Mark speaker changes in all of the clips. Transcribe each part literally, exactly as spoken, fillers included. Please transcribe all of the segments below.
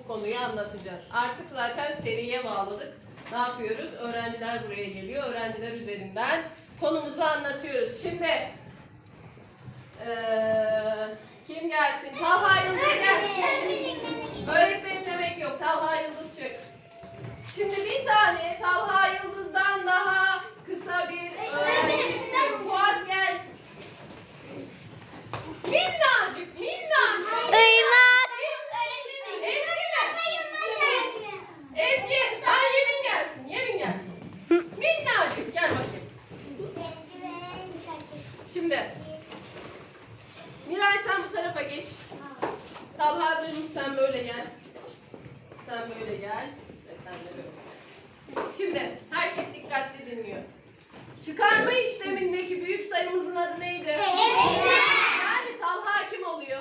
Speaker 1: bu konuyu anlatacağız. Artık zaten seriye bağladık. Ne yapıyoruz? Öğrenciler buraya geliyor. Öğrenciler üzerinden konumuzu anlatıyoruz. Şimdi ee, kim gelsin? Talha Yıldız gel. Öğretmenim demek yok. Talha Yıldız çık. Şimdi bir tane Talha Yıldız'dan daha kısa bir öğrenci istiyorum. Fuat gel. Minnacık, minnacık.
Speaker 2: Irmak.
Speaker 1: Ezgi mi? Ezgi, sen Yemin gelsin. Yemin gel. Minnacık, gel bakayım. Şimdi Miray sen bu tarafa geç. Talha'cığım sen böyle gel. Sen böyle gel. Ve sen de böyle. Şimdi herkes dikkatli dinliyor. Çıkarma işlemindeki büyük sayımızın adı neydi? Yani Talha kim oluyor?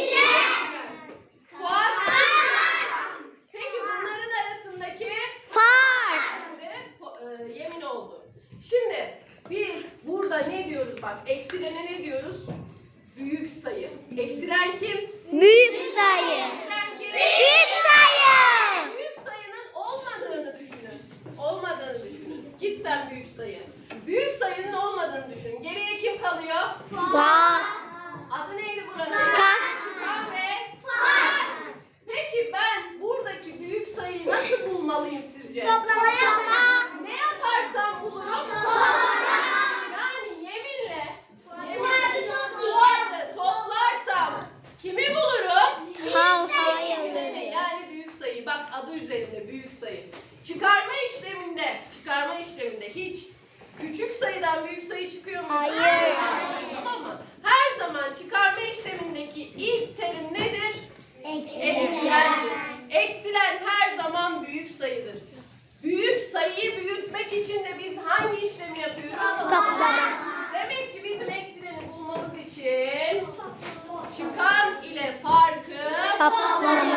Speaker 1: Fuat. Peki bunların arasındaki
Speaker 2: Fark.
Speaker 1: de, e, Yemin oldu. Şimdi biz burada ne diyoruz bak? Eksilene ne diyoruz? Büyük sayı. Eksilen kim?
Speaker 2: Büyük sayı.
Speaker 1: Eksilen kim?
Speaker 2: Büyük sayı.
Speaker 1: Büyük sayının olmadığını düşünün. Olmadığını düşünün. Git sen büyük sayı. Büyük sayının olmadığını düşünün. Geriye kim kalıyor?
Speaker 2: Fark.
Speaker 1: Adı neydi buranın?
Speaker 2: Çıkan.
Speaker 1: Çıkan ve fark. Peki ben buradaki büyük sayıyı nasıl bulmalıyım sizce?
Speaker 2: Toplama yapma.
Speaker 1: Ne yaparsam bulurum? Yani yeminle yeminle Fuat'ı toplarsam kimi bulurum?
Speaker 2: Talha
Speaker 1: Eksilen'i, yani büyük sayı. Bak adı üzerinde büyük sayı. Çıkarma işleminde, çıkarma işleminde hiç küçük sayıdan büyük sayı çıkıyor mu?
Speaker 2: Hayır.
Speaker 1: Tamam mı? Her zaman çıkarma işlemindeki ilk terim nedir? Eksilendir. Eksilen her zaman büyük sayıdır. Büyük sayıyı büyütmek için de biz hangi işlemi yapıyoruz?
Speaker 2: Toplama.
Speaker 1: Demek ki bizim eksileni bulmamız için çıkan ile farkı
Speaker 2: Toplama.